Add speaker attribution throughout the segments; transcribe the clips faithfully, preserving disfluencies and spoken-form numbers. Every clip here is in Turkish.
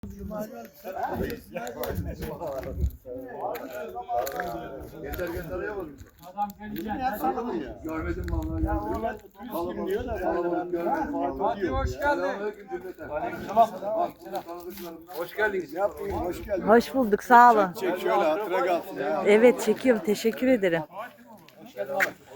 Speaker 1: Yeter göndereyim.
Speaker 2: Adam gelecek.
Speaker 1: Görmedim vallahi.
Speaker 2: Fatih hoş geldin.
Speaker 1: Hoş geldiniz.
Speaker 3: Hoş geldin.
Speaker 4: Hoş bulduk, sağ olun.
Speaker 3: Çek şöyle hatıra kalsın ya.
Speaker 4: Evet, çekiyorum. Teşekkür ederim.
Speaker 2: Hoş geldin.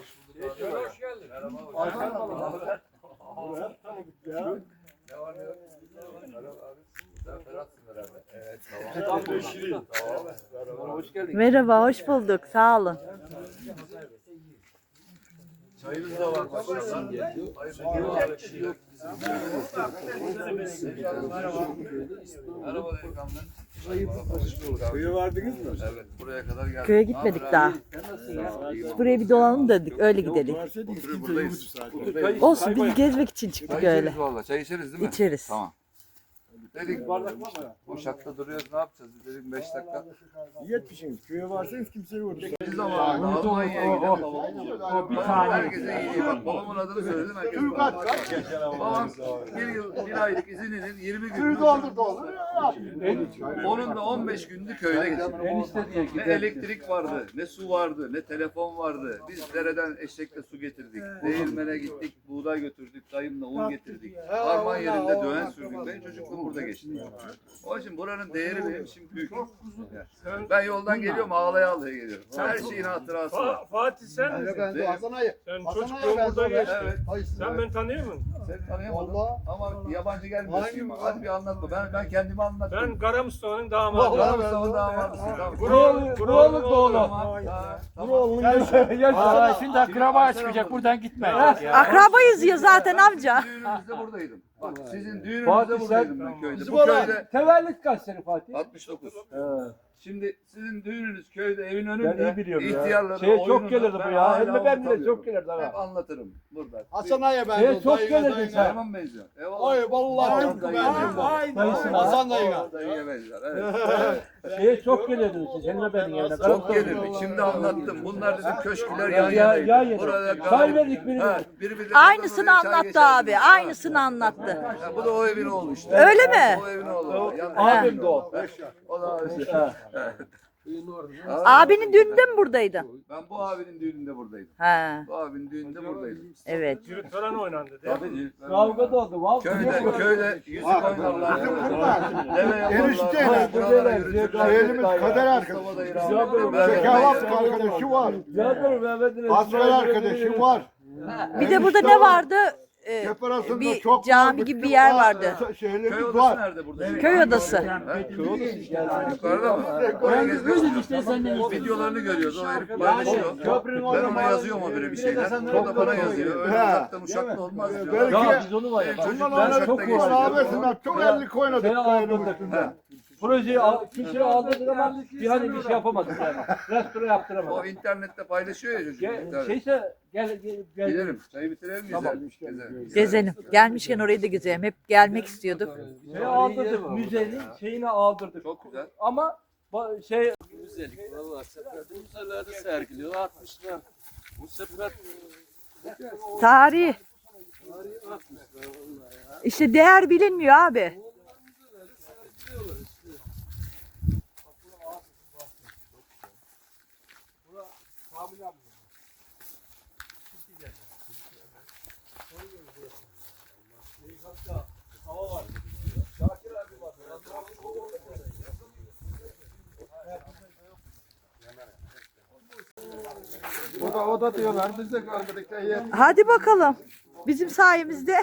Speaker 4: Merhaba, hoş bulduk. Sağ olun.
Speaker 1: Çayınız da var. Merhaba delikanlı.
Speaker 3: Köye vardınız mı?
Speaker 1: Evet, buraya kadar geldik.
Speaker 4: Köye gitmedik daha. Biz buraya bir dolanalım dedik, öyle gidelim.
Speaker 3: Varsaydınız
Speaker 1: Oturuyor,
Speaker 3: kimse
Speaker 1: buradayız.
Speaker 3: yoktu zaten.
Speaker 4: Olsun, biz gezmek için çıktık
Speaker 1: Çay
Speaker 4: öyle.
Speaker 1: içeriz valla. Çay içeriz değil mi?
Speaker 4: İçeriz.
Speaker 1: Tamam. Dedik Uşak'ta duruyoruz, ne yapacağız? Dedik beş dakika.
Speaker 3: Yetmişsiniz. Köye varsanız kimse yoktu.
Speaker 1: Biz zamanında Almanya'ya gidelim.
Speaker 2: Bir saniye.
Speaker 1: Herkese iyi. Bak babamın adını söyledim. Herkes babam bir yıl, bir aylık izininin yirmi gün. Onun da on beş gündü köyde gittik.
Speaker 2: Enişte diye
Speaker 1: Ne
Speaker 2: gider.
Speaker 1: elektrik vardı, ne su vardı, ne telefon vardı. Biz dereden eşekle su getirdik. Değirmene gittik, buğday götürdük, dayımla un getirdik. Harman yerinde döven sürdük. Ben çocukluğum burada geçti. Onun için buranın değeri benim için büyük. Ben yoldan geliyorum, ağlaya ağlaya geliyorum. Her şeyin hatırası var.
Speaker 5: Fa- Fatih sen misin?
Speaker 1: Değil mi?
Speaker 5: Sen çocukluğun burada geçti.
Speaker 1: Evet.
Speaker 5: Sen beni tanıyor musun?
Speaker 1: Seni tanıyamadım ama yabancı gelmiyorsun. Hadi bir anlatma. Ben ben kendimi anlattım.
Speaker 5: Ben Kara Mustafa'nın damadı.
Speaker 1: Kara Mustafa'nın damadısın. Tamam.
Speaker 5: Buralı, buralı oğlu.
Speaker 1: Tamam. Tamam.
Speaker 2: Aa, şimdi akraba çıkacak buradan gitme.
Speaker 4: Akrabayız ya zaten amca.
Speaker 1: Düğünümüzde buradaydım. Bak sizin düğününüzde
Speaker 2: Fatih,
Speaker 1: buradaydım
Speaker 2: sen-
Speaker 1: ben köyde.
Speaker 2: Bizim
Speaker 1: Bu köyde
Speaker 2: Tevellit kaç sene Fatih?
Speaker 1: altmış dokuz. Şimdi sizin düğününüz köyde evin
Speaker 2: Ben
Speaker 1: önünde.
Speaker 2: iyi biliyorum ya.
Speaker 1: İhtiyarları
Speaker 2: Şeye çok
Speaker 1: oyununu
Speaker 2: gelirdi bu
Speaker 1: ben
Speaker 2: ya.
Speaker 1: hala
Speaker 2: Hem de ben bile
Speaker 1: unutamıyorum.
Speaker 2: çok gelirdi
Speaker 1: Hep
Speaker 2: ha.
Speaker 1: anlatırım burada.
Speaker 3: Hasan Ağa'ya ben
Speaker 2: Şeye çok gelirdin sen.
Speaker 1: Tamam benziyor. Eyvallah.
Speaker 3: Ay vallahi tıpkı benziyor bu.
Speaker 2: Dayısın
Speaker 3: Hasan
Speaker 1: Dayıya.
Speaker 3: dayıya.
Speaker 1: Dayıya benziyor. Evet.
Speaker 2: Şeye çok gelirdin siz. Hem de benim yerine.
Speaker 1: Çok gelirdik. Şimdi anlattım. Bunlar dedim köşküler yan
Speaker 2: Ya, ya,
Speaker 1: yanaydı.
Speaker 2: yan yana.
Speaker 1: Burada
Speaker 2: Çay
Speaker 1: galip-
Speaker 2: verdik birine.
Speaker 1: Ha, biri birine
Speaker 4: Aynısını
Speaker 1: burada çay
Speaker 4: anlattı
Speaker 1: geçerdi.
Speaker 4: abi.
Speaker 1: Ha.
Speaker 4: Aynısını anlattı.
Speaker 1: Ha, bu da o evin oğlu işte.
Speaker 4: Öyle mi?
Speaker 1: O evin oğlu. Yan-
Speaker 2: Abim de o.
Speaker 1: O da abi.
Speaker 2: Ha.
Speaker 4: Abinin düğününde mi buradaydın?
Speaker 1: Ben bu abinin düğününde buradaydım.
Speaker 4: He,
Speaker 1: Bu abinin düğününde buradaydım.
Speaker 4: evet.
Speaker 5: Cüret falan oynandı değil mi?
Speaker 1: Tabii.
Speaker 2: Kavga da oldu. Vallahi.
Speaker 1: Köyde, köyde yüzük oynarlar. Deve
Speaker 3: Enişte
Speaker 1: yaparlar. Buralara
Speaker 2: ya.
Speaker 1: yürütürler.
Speaker 3: Elimiz kader
Speaker 1: Mustafa
Speaker 3: arkadaşı.
Speaker 1: dayı rahmetli. Mehmet
Speaker 3: Zekavat
Speaker 1: dayı.
Speaker 3: arkadaşı var.
Speaker 2: Yardım Mehmet'in.
Speaker 3: Asker arkadaşı var.
Speaker 4: Bir de burada ne vardı? Ee,
Speaker 3: Cep arasında
Speaker 4: bir
Speaker 3: çok
Speaker 4: cami gibi bir yer vardı.
Speaker 1: Köy
Speaker 3: Şehirlerimiz
Speaker 1: odası
Speaker 3: var.
Speaker 1: nerede burada?
Speaker 4: Köy odası.
Speaker 1: Ha? Yukarıda mı? Oraya gezmek
Speaker 2: işte senden
Speaker 1: O videolarını görüyoruz. O herif paylaşıyor.
Speaker 2: köprünün
Speaker 1: Ben
Speaker 2: orada
Speaker 1: ona yazıyorum o böyle bir şeyler. O da bana yazıyor. Öyle
Speaker 3: He.
Speaker 1: uzaktan uçakla olmaz diyor.
Speaker 3: Belki-
Speaker 2: Ya biz onu var ya.
Speaker 1: Benim
Speaker 2: bak,
Speaker 1: çocuklar
Speaker 2: Ben çok
Speaker 1: uçakta geçti.
Speaker 3: Rahmetine çok ellik oynadık.
Speaker 2: Seni
Speaker 3: köyün
Speaker 2: aldırdık.
Speaker 3: üstünde.
Speaker 2: Projeyi al, kişiyi aldırdık ama bir hani bir şey yapamadık yani. Restore
Speaker 1: O
Speaker 2: yaptıramadık.
Speaker 1: internette paylaşıyor ya çocuk.
Speaker 2: Gel,
Speaker 1: Tabii.
Speaker 2: şeyse gel gel. gel.
Speaker 1: Gidelim. Çayı bitirelim gezelim. Gezelim.
Speaker 4: Gezelim. Gelmişken orayı da gezelim. Hep gelmek istiyorduk.
Speaker 2: Şeyi aldırdık. Müzenin şeyini aldırdık.
Speaker 1: Çok güzel.
Speaker 2: Ama ba- şey
Speaker 6: Müzelik vallahi seferde müzelerde sergiliyor altmışlar. Bu sefer
Speaker 4: Tarih.
Speaker 6: atmışlar vallahi ya.
Speaker 4: İşte değer bilinmiyor abi.
Speaker 3: O da o da diyorlar biz de görmedik de yer.
Speaker 4: Hadi bakalım. Bizim sayemizde.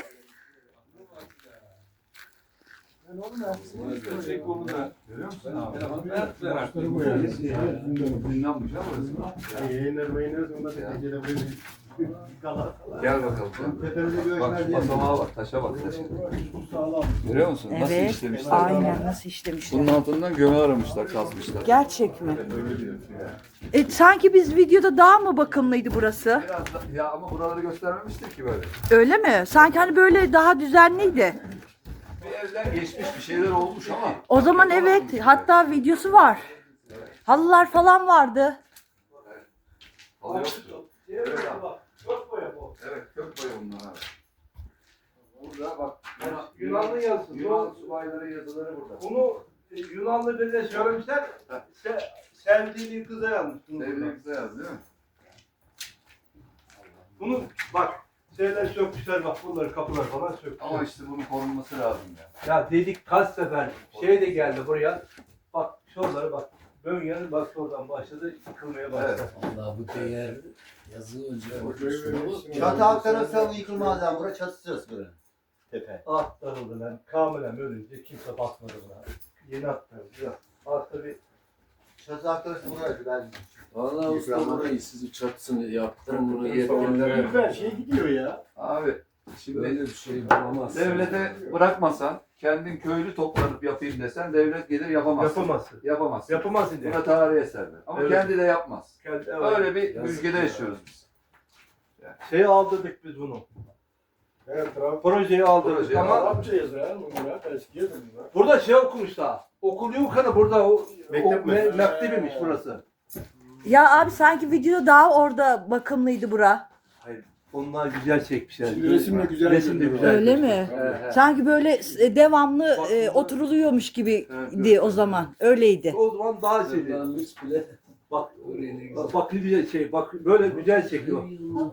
Speaker 1: Zindanmış ha burası.
Speaker 3: Yayınlar mayınlar onda da gecede böyle.
Speaker 1: Gel bakalım. Bak şu basamağa bak, taşa bak, taşa. Görüyor musun? Nasıl
Speaker 4: Evet.
Speaker 1: işlemişler?
Speaker 4: Aynen nasıl işlemişler.
Speaker 1: Bunun altından gömü aramışlar, kazmışlar.
Speaker 4: Gerçek mi?
Speaker 1: Öyle diyor ya.
Speaker 4: E, sanki biz videoda daha mı bakımlıydı burası?
Speaker 1: Biraz da, ya ama buraları göstermemiştir ki böyle.
Speaker 4: Öyle mi? Sanki hani böyle daha düzenliydi.
Speaker 1: Bir evden geçmiş bir şeyler olmuş ama.
Speaker 4: O zaman evet. Hatta videosu var. Halılar falan vardı.
Speaker 1: Halı yoktu. Evet, abi. Evet, kök boya bunlar abi. Burada bak.
Speaker 2: Yani Yunanlı yazısı.
Speaker 1: Yunan
Speaker 2: Bu-
Speaker 1: subayları yazıları burada.
Speaker 2: Bunu e, Yunanlı birine söylemişler. Se, sevdiği bir kıza yazmış. bunu burada.
Speaker 1: Sevdiği kıza yaz değil mi?
Speaker 2: Bunu bak şeyler sökmüşler bak bunları kapılar falan sökmüşler.
Speaker 1: Ama işte bunun korunması lazım ya.
Speaker 2: Ya dedik kaç sefer şey de geldi buraya. Bak şuraları bak. Bölgenin bak oradan başladı yıkılmaya başladı.
Speaker 1: Evet.
Speaker 6: Allah bu değer yazı önce.
Speaker 7: Çatı altı nasıl yıkılmaz yani. Burası çatısız burası. Tepe.
Speaker 2: At darıldı lan. Kamilen ölünce kimse bakmadı buna. Yeni atlardı. Ya. Altta bir
Speaker 7: Çatı altı nasıl burası ben.
Speaker 6: Valla usta burayı sizi çatısını yaptırın bunu yetkililer.
Speaker 3: Her şey gidiyor ya.
Speaker 1: Abi
Speaker 6: Böyle
Speaker 1: şimdi
Speaker 6: bir şey bulamazsın.
Speaker 1: devlete bırakmasan kendin köylü toplanıp yapayım desen devlet gelir yapamaz.
Speaker 2: yapamazsın.
Speaker 1: Yapamaz.
Speaker 2: Yapamazsın diye.
Speaker 1: Buna tarihi eserler. Ama
Speaker 2: Evet.
Speaker 1: kendi de yapmaz.
Speaker 2: Kendi- evet.
Speaker 1: Öyle bir
Speaker 6: Yazık
Speaker 1: ülkede
Speaker 6: ya.
Speaker 1: yaşıyoruz biz.
Speaker 2: Şeyi aldırdık biz bunu.
Speaker 3: Evet, trafik.
Speaker 2: Projeyi aldırdık
Speaker 1: Projeyi
Speaker 2: ama
Speaker 3: Arapça yazıyor ya bunlar. Eskiye de bunlar.
Speaker 2: burada şey okumuş daha. Okul yukarı burada o,
Speaker 3: Mektep
Speaker 2: o
Speaker 3: mi?
Speaker 2: me, mektebiymiş burası.
Speaker 4: Ya abi sanki videoda daha orada bakımlıydı bura.
Speaker 2: Hayır. Onlar güzel çekmişler.
Speaker 3: Şimdi resim de güzel
Speaker 2: Resim de
Speaker 3: görünüyor.
Speaker 2: güzel.
Speaker 4: Öyle mi?
Speaker 2: Evet, evet.
Speaker 4: Sanki böyle e, devamlı e, oturuluyormuş gibiydi o zaman. Öyleydi.
Speaker 2: O zaman daha şeydi.
Speaker 6: Sırlanmış bile.
Speaker 2: Bak,
Speaker 6: Oraya ne güzel.
Speaker 2: bak, bak ne güzel şey. Bak böyle güzel çekiyor.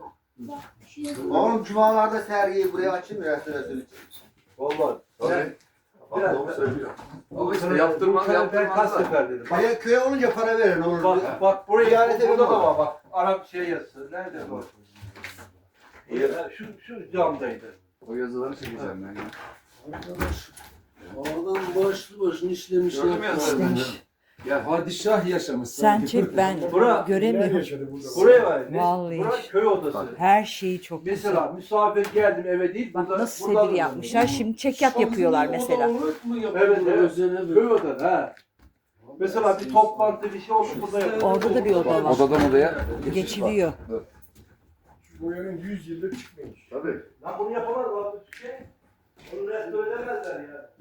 Speaker 7: Oğlum cumalarda sergiyi buraya açayım ya restorasyon için.
Speaker 2: Vallahi.
Speaker 1: Tabii. Bak
Speaker 2: Biraz-
Speaker 1: doğru söylüyor. Ama işte
Speaker 2: Bu
Speaker 1: yaptırmaz
Speaker 2: sene Ben kaç
Speaker 1: yaptırmazlar.
Speaker 2: sefer dedim. Bak,
Speaker 7: Köye, köye olunca para verin olur.
Speaker 2: bak, bak buraya
Speaker 7: Ziyarete
Speaker 2: burada da
Speaker 7: benim
Speaker 2: var bak. Arap şey yazısı. Nerede bu? Ya, şu, şu camdaydı.
Speaker 1: O yazıları çekeceğim ben ya.
Speaker 6: Arkadaş. Adam başlı başını işlemiş.
Speaker 1: Gördün mü yazıları?
Speaker 4: İşlemiş.
Speaker 1: Gel.
Speaker 6: Padişah yaşamış.
Speaker 4: Sen
Speaker 6: sanki.
Speaker 4: çek ben
Speaker 2: Bura-
Speaker 4: göremiyorum.
Speaker 3: yaşadı burada?
Speaker 2: Buraya var. Ne?
Speaker 4: Vallahi.
Speaker 2: Bura köy odası.
Speaker 4: Her şeyi çok güzel.
Speaker 2: Mesela misafir geldim eve değil.
Speaker 4: Bak
Speaker 2: burada-
Speaker 4: nasıl
Speaker 2: burada
Speaker 4: sedir yapmışlar. Şimdi çekyat yapıyorlar mesela.
Speaker 6: Oda mı yapıyor?
Speaker 2: Evet, evet.
Speaker 6: Özene
Speaker 2: Köy
Speaker 6: böyle.
Speaker 2: odası ha. Mesela bir toplantı bir şey oldu burada yapılıyor.
Speaker 4: Orada da bir oda var.
Speaker 1: Odadan odaya
Speaker 4: Geçiliyor.
Speaker 3: Şu boyanın yüz yıldır çıkmamış.
Speaker 1: Tabii.
Speaker 2: Lan bunu yapamaz mı? Şey, onu restore edemezler ya.